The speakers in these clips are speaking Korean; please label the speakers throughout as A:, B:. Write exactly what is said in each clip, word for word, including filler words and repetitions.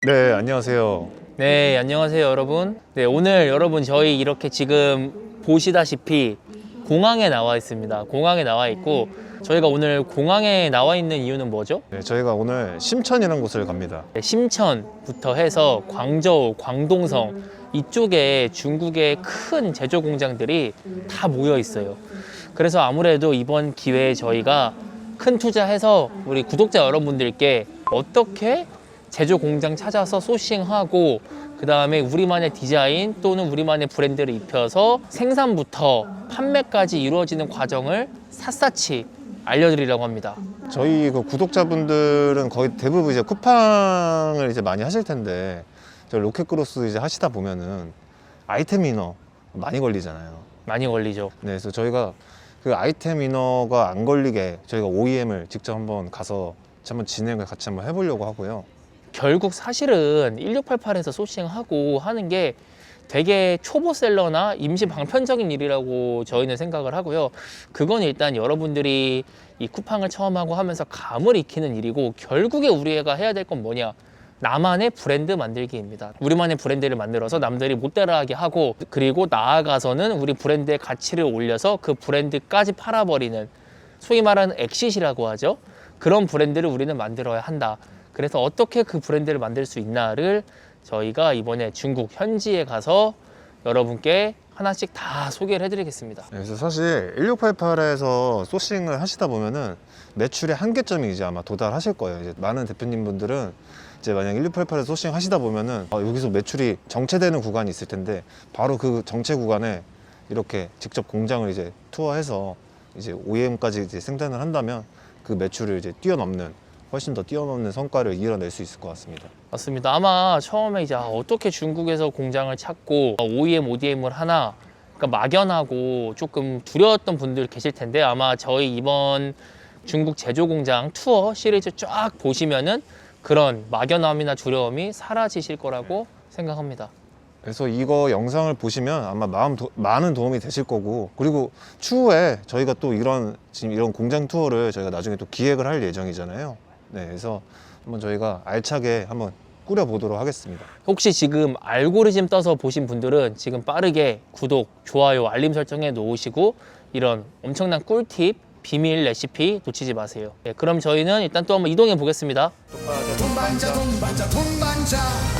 A: 네, 안녕하세요.
B: 네, 안녕하세요, 여러분. 네, 오늘 여러분 저희 이렇게 지금 보시다시피 공항에 나와 있습니다. 공항에 나와 있고 저희가 오늘 공항에 나와 있는 이유는 뭐죠?
A: 네, 저희가 오늘 심천이라는 곳을 갑니다.
B: 네, 심천부터 해서 광저우, 광동성 이쪽에 중국의 큰 제조 공장들이 다 모여 있어요. 그래서 아무래도 이번 기회에 저희가 큰 투자해서 우리 구독자 여러분들께 어떻게 제조 공장 찾아서 소싱하고 그 다음에 우리만의 디자인 또는 우리만의 브랜드를 입혀서 생산부터 판매까지 이루어지는 과정을 샅샅이 알려드리려고 합니다.
A: 저희 그 구독자분들은 거의 대부분 이제 쿠팡을 이제 많이 하실 텐데, 저 로켓크로스 이제 하시다 보면은 아이템 이너 많이 걸리잖아요.
B: 많이 걸리죠.
A: 네, 그래서 저희가 그 아이템 이너가 안 걸리게 저희가 오이엠을 직접 한번 가서 한번 진행을 같이 한번 해보려고 하고요.
B: 결국 사실은 일육팔팔에서 소싱하고 하는 게 되게 초보셀러나 임시 방편적인 일이라고 저희는 생각을 하고요. 그건 일단 여러분들이 이 쿠팡을 처음 하고 하면서 감을 익히는 일이고, 결국에 우리가 해야 될 건 뭐냐? 나만의 브랜드 만들기입니다. 우리만의 브랜드를 만들어서 남들이 못 따라하게 하고, 그리고 나아가서는 우리 브랜드의 가치를 올려서 그 브랜드까지 팔아버리는, 소위 말하는 엑싯이라고 하죠. 그런 브랜드를 우리는 만들어야 한다. 그래서 어떻게 그 브랜드를 만들 수 있나를 저희가 이번에 중국 현지에 가서 여러분께 하나씩 다 소개를 해드리겠습니다.
A: 네, 그래서 사실 일육팔팔에서 소싱을 하시다 보면은 매출의 한계점이 이제 아마 도달하실 거예요. 이제 많은 대표님분들은 이제 만약 일육팔팔에서 소싱 하시다 보면은 어, 여기서 매출이 정체되는 구간이 있을 텐데, 바로 그 정체 구간에 이렇게 직접 공장을 이제 투어해서 이제 오이엠까지 이제 생산을 한다면 그 매출을 이제 뛰어넘는, 훨씬 더 뛰어넘는 성과를 이뤄낼 수 있을 것 같습니다.
B: 맞습니다. 아마 처음에 이제 어떻게 중국에서 공장을 찾고 오이엠, 오디엠을 하나, 그러니까 막연하고 조금 두려웠던 분들 계실 텐데, 아마 저희 이번 중국 제조 공장 투어 시리즈 쫙 보시면은 그런 막연함이나 두려움이 사라지실 거라고 생각합니다.
A: 그래서 이거 영상을 보시면 아마 마음 도, 많은 도움이 되실 거고, 그리고 추후에 저희가 또 이런 지금 이런 공장 투어를 저희가 나중에 또 기획을 할 예정이잖아요. 네, 그래서 한번 저희가 알차게 한번 꾸려보도록 하겠습니다.
B: 혹시 지금 알고리즘 떠서 보신 분들은 지금 빠르게 구독, 좋아요, 알림 설정해 놓으시고 이런 엄청난 꿀팁, 비밀 레시피 놓치지 마세요. 네, 그럼 저희는 일단 또 한번 이동해 보겠습니다.
C: 동반자 동반자 동반자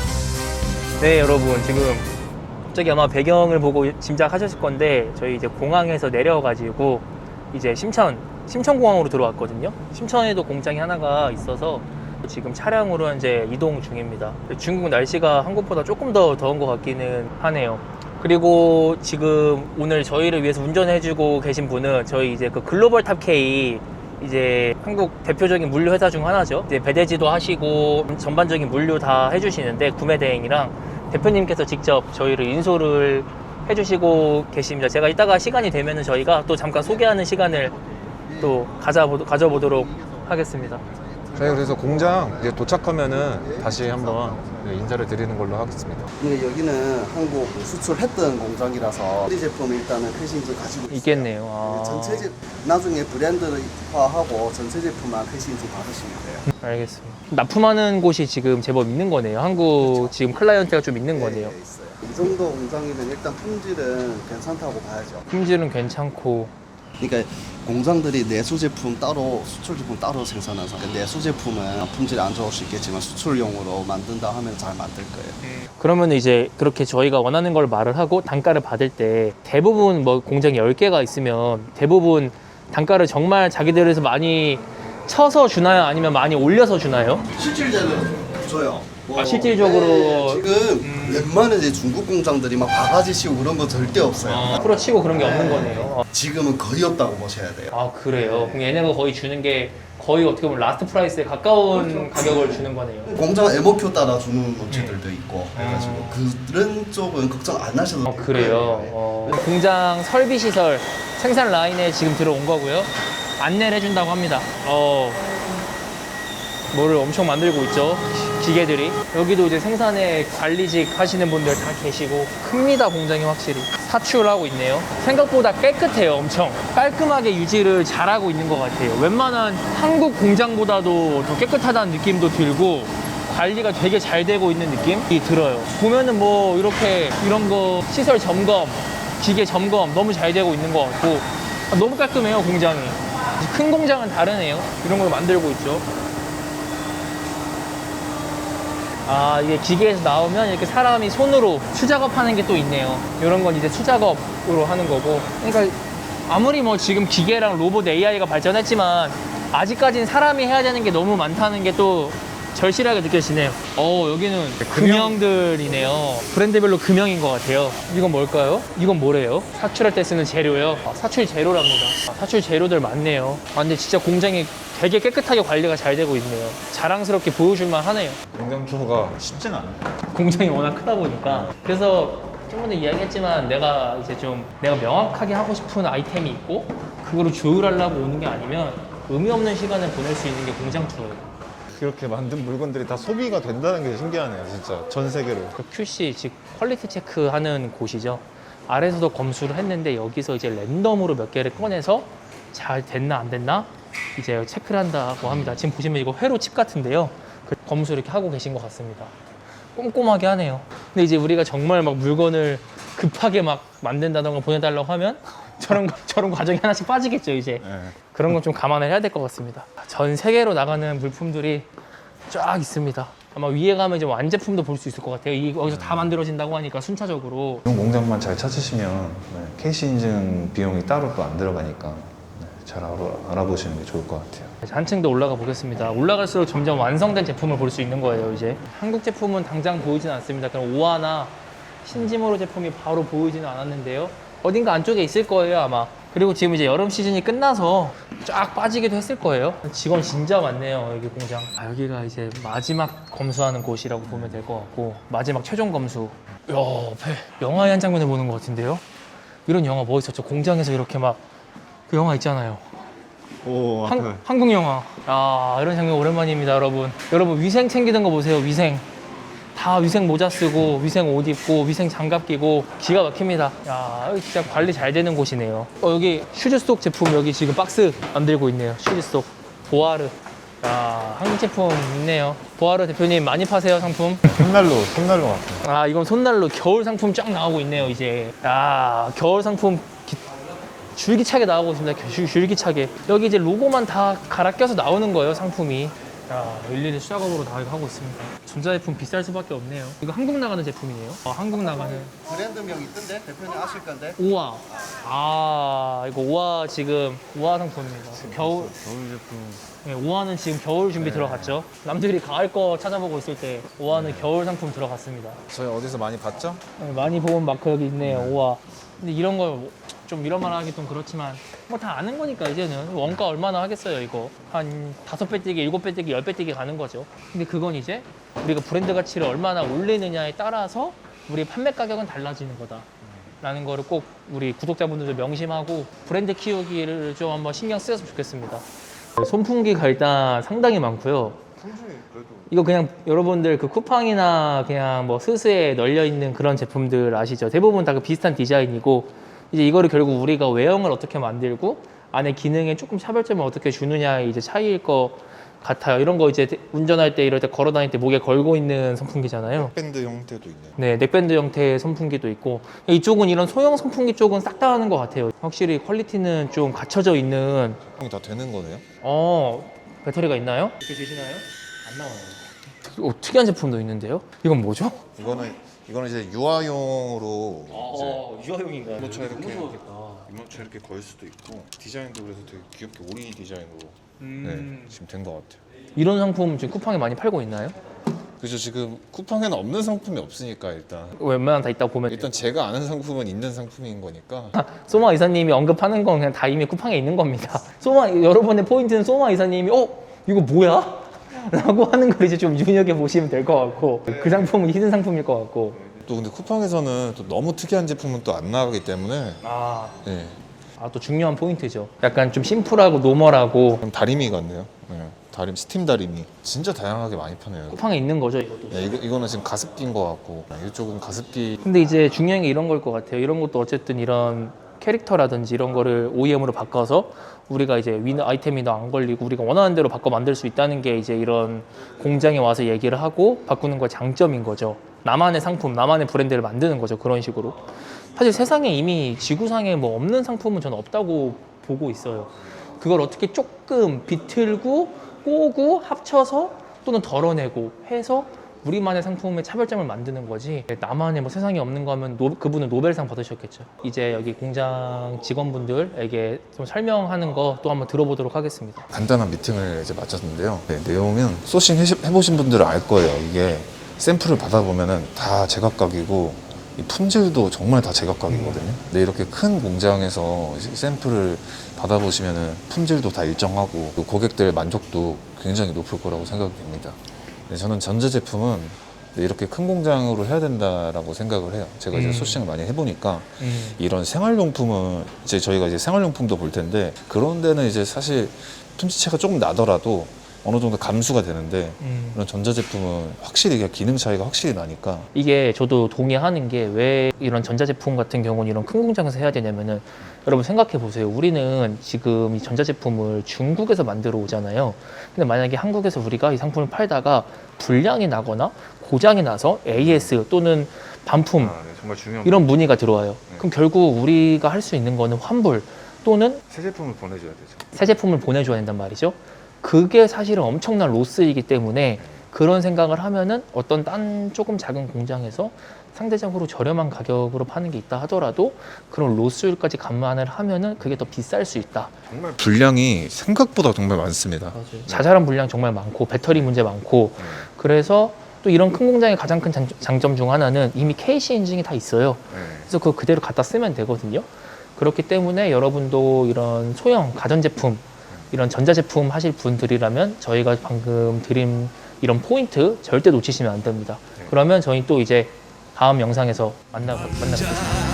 B: 네, 여러분 지금 갑자기 아마 배경을 보고 짐작하셨을 건데, 저희 이제 공항에서 내려가지고 이제 심천, 심천공항으로 들어왔거든요. 심천에도 공장이 하나가 있어서 지금 차량으로 이제 이동 중입니다. 중국 날씨가 한국보다 조금 더 더운 것 같기는 하네요. 그리고 지금 오늘 저희를 위해서 운전해주고 계신 분은 저희 이제 그 글로벌 탑K, 이제 한국 대표적인 물류 회사 중 하나죠. 이제 배대지도 하시고 전반적인 물류 다 해주시는데, 구매 대행이랑 대표님께서 직접 저희를 인솔을 해주시고 계십니다. 제가 이따가 시간이 되면은 저희가 또 잠깐 소개하는 시간을 또 가져보, 가져보도록 하겠습니다.
A: 저희 그래서 공장 이제 도착하면은 다시 한번 인사를 드리는 걸로 하겠습니다.
C: 근데 여기는 한국 수출했던 공장이라서 우리 제품 일단은 패싱지 가지고 있어요.
B: 있겠네요. 아,
C: 전체 제 나중에 브랜드화하고 전체 제품만 패싱지 받으시면 돼요.
B: 알겠습니다. 납품하는 곳이 지금 제법 있는 거네요. 한국 지금 클라이언트가 좀 있는 거네요.
C: 네, 있어요. 이 정도 공장이면 일단 품질은 괜찮다고 봐야죠.
B: 품질은 괜찮고.
C: 그러니까 공장들이 내수 제품 따로, 수출 제품 따로 생산해서 내수 제품은 품질이 안 좋을 수 있겠지만 수출용으로 만든다 하면 잘 만들 거예요.
B: 그러면 이제 그렇게 저희가 원하는 걸 말을 하고 단가를 받을 때, 대부분 뭐 공장이 열 개가 있으면 대부분 단가를 정말 자기들에서 많이 쳐서 주나요? 아니면 많이 올려서 주나요?
C: 실질적으로 줘요. 뭐,
B: 아, 실질적으로
C: 네, 지금 웬만한 이제 중국 공장들이 막 바가지 씌우고 그런 거 절대 없어요.
B: 아, 풀어치고 그런 게 없는 거네요.
C: 지금은 거의 없다고 보셔야 돼요.
B: 아, 그래요? 그럼 얘네가 거의 주는 게 거의 어떻게 보면 라스트 프라이스에 가까운 가격을 주는 거네요.
C: 공장 엠오큐 따라 주는 업체들도 있고 그래가지고 그런 쪽은 걱정 안 하셔도
B: 어,
C: 돼요.
B: 그래요. 어, 공장 설비 시설 생산 라인에 지금 들어온 거고요. 안내를 해준다고 합니다. 어, 뭐를 엄청 만들고 있죠. 기계들이. 여기도 이제 생산에 관리직 하시는 분들 다 계시고 큽니다. 공장이 확실히 사출을 하고 있네요. 생각보다 깨끗해요. 엄청 깔끔하게 유지를 잘하고 있는 것 같아요. 웬만한 한국 공장보다도 더 깨끗하다는 느낌도 들고 관리가 되게 잘 되고 있는 느낌이 들어요. 보면은 뭐 이렇게 이런 거 시설 점검, 기계 점검 너무 잘 되고 있는 것 같고 아, 너무 깔끔해요 공장이. 큰 공장은 다르네요. 이런 걸 만들고 있죠. 아, 이게 기계에서 나오면 이렇게 사람이 손으로 수작업하는 게 또 있네요. 이런 건 이제 수작업으로 하는 거고. 그러니까 아무리 뭐 지금 기계랑 로봇 에이아이가 발전했지만 아직까지는 사람이 해야 되는 게 너무 많다는 게 또 절실하게 느껴지네요. 어, 여기는 금형들이네요. 브랜드별로 금형인 것 같아요. 이건 뭘까요? 이건 뭐래요? 사출할 때 쓰는 재료요. 아, 사출 재료랍니다. 아, 사출 재료들 많네요. 아, 근데 진짜 공장이 되게 깨끗하게 관리가 잘 되고 있네요. 자랑스럽게 보여줄만 하네요.
A: 공장 투어가 쉽진 않아요.
B: 공장이 워낙 크다 보니까. 그래서 좀 전에 이야기했지만 내가 이제 좀 내가 명확하게 하고 싶은 아이템이 있고 그거를 조율하려고 오는 게 아니면 의미 없는 시간을 보낼 수 있는 게 공장 투어예요.
A: 그렇게 만든 물건들이 다 소비가 된다는 게 신기하네요, 진짜. 전 세계로.
B: 그 큐씨, 즉 퀄리티 체크하는 곳이죠. 아래에서도 검수를 했는데 여기서 이제 랜덤으로 몇 개를 꺼내서 잘 됐나 안 됐나 이제 체크를 한다고 합니다. 지금 보시면 이거 회로 칩 같은데요. 그 검수 이렇게 하고 계신 것 같습니다. 꼼꼼하게 하네요. 근데 이제 우리가 정말 막 물건을 급하게 막 만든다던가 보내달라고 하면 저런 저런 과정이 하나씩 빠지겠죠 이제.
A: 네.
B: 그런 건 좀 감안을 해야 될 것 같습니다. 전 세계로 나가는 물품들이 쫙 있습니다. 아마 위에 가면 이제 완제품도 볼 수 있을 것 같아요. 이 여기서 다 만들어진다고 하니까 순차적으로.
D: 이런 공장만 잘 찾으시면 네, 케이씨 인증 비용이 따로 또 안 들어가니까 네, 잘 알아, 알아보시는 게 좋을 것 같아요.
B: 한층 더 올라가 보겠습니다. 올라갈수록 점점 완성된 제품을 볼 수 있는 거예요 이제. 한국 제품은 당장 보이진 않습니다. 그럼 오하나 신지모로 제품이 바로 보이지는 않았는데요. 어딘가 안쪽에 있을 거예요 아마. 그리고 지금 이제 여름 시즌이 끝나서 쫙 빠지기도 했을 거예요. 직원 진짜 많네요 여기 공장. 아, 여기가 이제 마지막 검수하는 곳이라고 보면 될 것 같고 마지막 최종 검수. 야, 앞에 영화의 한 장면을 보는 것 같은데요. 이런 영화 뭐 있었죠? 공장에서 이렇게 막 그 영화 있잖아요.
A: 오, 앞에.
B: 한, 한국 영화. 아, 이런 장면 오랜만입니다 여러분. 여러분 위생 챙기는 거 보세요. 위생 다 위생 모자 쓰고 위생 옷 입고 위생 장갑 끼고 기가 막힙니다. 야, 여기 진짜 관리 잘 되는 곳이네요. 어, 여기 슈즈스톡 제품 여기 지금 박스 만들고 있네요. 슈즈스톡 보아르. 야, 한국 제품 있네요. 보아르 대표님 많이 파세요 상품?
A: 손난로, 손난로 같아요.
B: 아, 이건 손난로 겨울 상품 쫙 나오고 있네요 이제. 야, 겨울 상품 기- 줄기차게 나오고 있습니다. 줄, 줄기차게. 여기 이제 로고만 다 갈아 껴서 나오는 거예요 상품이. 야, 일일이 수작업으로 다 이거 하고 있습니다. 전자제품 비쌀 수밖에 없네요. 이거 한국 나가는 제품이네요. 어, 한국 나가는
C: 브랜드명 있던데 대표님 아실 건데.
B: 오화. 아, 이거 오화 지금 오화 상품입니다. 겨울
A: 겨울 제품.
B: 네, 오화는 지금 겨울 준비 들어갔죠. 남들이 가을 거 찾아보고 있을 때 오화는 겨울 상품 들어갔습니다.
A: 저희 어디서 많이 봤죠?
B: 네, 많이 본 마크 여기 있네요. 오화. 근데 이런 걸 좀 이런 말 하기 좀 그렇지만 뭐 다 아는 거니까 이제는 원가 얼마나 하겠어요 이거. 한 다섯 배 뛰기, 일곱 배 뛰기, 열 배 뛰기 가는 거죠. 근데 그건 이제 우리가 브랜드 가치를 얼마나 올리느냐에 따라서 우리 판매 가격은 달라지는 거다 라는 거를 꼭 우리 구독자분들도 명심하고 브랜드 키우기를 좀 한번 신경 쓰였으면 좋겠습니다. 손풍기가 일단 상당히 많고요. 이거 그냥 여러분들 그 쿠팡이나 그냥 뭐 스스에 널려 있는 그런 제품들 아시죠? 대부분 다 그 비슷한 디자인이고 이제 이거를 결국 우리가 외형을 어떻게 만들고 안에 기능에 조금 차별점을 어떻게 주느냐의 이제 차이일 것 같아요. 이런 거 이제 운전할 때 이럴 때 걸어 다닐 때 목에 걸고 있는 선풍기잖아요.
A: 밴드 형태도 있네요.
B: 네, 넥밴드 형태의 선풍기도 있고 이쪽은 이런 소형 선풍기 쪽은 싹 다 하는 것 같아요. 확실히 퀄리티는 좀 갖춰져 있는.
A: 형이 다 되는 거네요?
B: 어, 배터리가 있나요? 이렇게 되시나요? 안 나와요. 어, 특이한 제품도 있는데요. 이건 뭐죠?
A: 이거는 이거는 이제 유아용으로
B: 어, 유아용인가요?
A: 이모차 이렇게
B: 무서웠겠다.
A: 이모차 이렇게 걸 수도 있고 디자인도 그래서 되게 귀엽게 오리 디자인으로
B: 음.
A: 네, 지금 된 것 같아요.
B: 이런 상품 지금 쿠팡에 많이 팔고 있나요?
A: 그죠, 지금 쿠팡에는 없는 상품이 없으니까 일단
B: 웬만한 다 있다고 보면
A: 일단 제가 아는 상품은 있는 상품인 거니까.
B: 소마 이사님이 언급하는 건 그냥 다 이미 쿠팡에 있는 겁니다. 소마 여러분의 포인트는 소마 이사님이 어? 이거 뭐야? 라고 하는 걸 이제 좀 눈여겨 보시면 될 것 같고 그 상품은 히든 상품일 것 같고.
A: 또 근데 쿠팡에서는 또 너무 특이한 제품은 또 안 나가기 때문에
B: 아,
A: 네.
B: 아, 또 중요한 포인트죠. 약간 좀 심플하고 노멀하고
A: 그럼 다리미 같네요. 네. 다림 스팀 다리미 진짜 다양하게 많이 파네요.
B: 쿠팡에 있는 거죠 이것도.
A: 네, 이거 이거는 지금 가습기인 것 같고 이쪽은 가습기.
B: 근데 이제 중요한 게 이런 걸 것 같아요. 이런 것도 어쨌든 이런 캐릭터라든지 이런 거를 오이엠으로 바꿔서 우리가 이제 위너 아이템이나 안 걸리고 우리가 원하는 대로 바꿔 만들 수 있다는 게 이제 이런 공장에 와서 얘기를 하고 바꾸는 거 장점인 거죠. 나만의 상품, 나만의 브랜드를 만드는 거죠. 그런 식으로. 사실 세상에 이미 지구상에 뭐 없는 상품은 저는 없다고 보고 있어요. 그걸 어떻게 조금 비틀고 꼬고 합쳐서 또는 덜어내고 해서 우리만의 상품의 차별점을 만드는 거지, 나만의 뭐 세상에 없는 거 하면 노, 그분은 노벨상 받으셨겠죠. 이제 여기 공장 직원분들에게 좀 설명하는 거 또 한번 들어보도록 하겠습니다.
D: 간단한 미팅을 이제 마쳤는데요. 네, 내용은 소싱 해시- 해보신 분들은 알 거예요. 이게 샘플을 받아보면은 다 제각각이고 이 품질도 정말 다 제각각이거든요. 근데 이렇게 큰 공장에서 이제 샘플을 받아보시면은 품질도 다 일정하고 또 고객들 만족도 굉장히 높을 거라고 생각이 됩니다. 네, 저는 전자제품은 이렇게 큰 공장으로 해야 된다라고 생각을 해요. 제가 이제
B: 음.
D: 소싱을 많이 해보니까
B: 음.
D: 이런 생활용품은 이제 저희가 이제 생활용품도 볼 텐데 그런 데는 이제 사실 품질차가 조금 나더라도 어느 정도 감수가 되는데
B: 음.
D: 이런 전자제품은 확실히 이게 기능 차이가 확실히 나니까
B: 이게 저도 동의하는 게 왜 이런 전자제품 같은 경우는 이런 큰 공장에서 해야 되냐면은, 여러분 생각해 보세요. 우리는 지금 이 전자제품을 중국에서 만들어 오잖아요. 근데 만약에 한국에서 우리가 이 상품을 팔다가 불량이 나거나 고장이 나서 에이에스 또는 반품
D: 네, 정말 중요한
B: 이런 문의가 들어와요.
D: 네.
B: 그럼 결국 우리가 할 수 있는 거는 환불 또는
D: 새 제품을 보내줘야 되죠.
B: 새 제품을 보내줘야 된단 말이죠. 그게 사실은 엄청난 로스이기 때문에 그런 생각을 하면은 어떤 딴 조금 작은 공장에서 상대적으로 저렴한 가격으로 파는 게 있다 하더라도 그런 로스율까지 감안을 하면은 그게 더 비쌀 수 있다.
D: 정말 분량이 생각보다 정말 많습니다.
B: 자잘한 물량 정말 많고 배터리 문제 많고, 그래서 또 이런 큰 공장의 가장 큰 장- 장점 중 하나는 이미 케이씨 인증이 다 있어요.
D: 네.
B: 그래서 그거 그대로 갖다 쓰면 되거든요. 그렇기 때문에 여러분도 이런 소형 가전제품, 이런 전자제품 하실 분들이라면 저희가 방금 드린 이런 포인트 절대 놓치시면 안 됩니다.
D: 네.
B: 그러면 저희 또 이제 다음 영상에서 만나, 만나뵙겠습니다.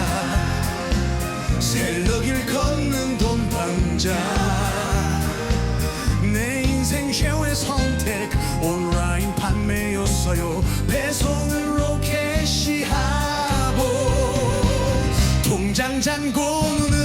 E: 셀러길 걷는 돈방자 내 인생 최후의 선택 온라인 판매였어요. 배송으로 캐시하고 통장 잔고 눈을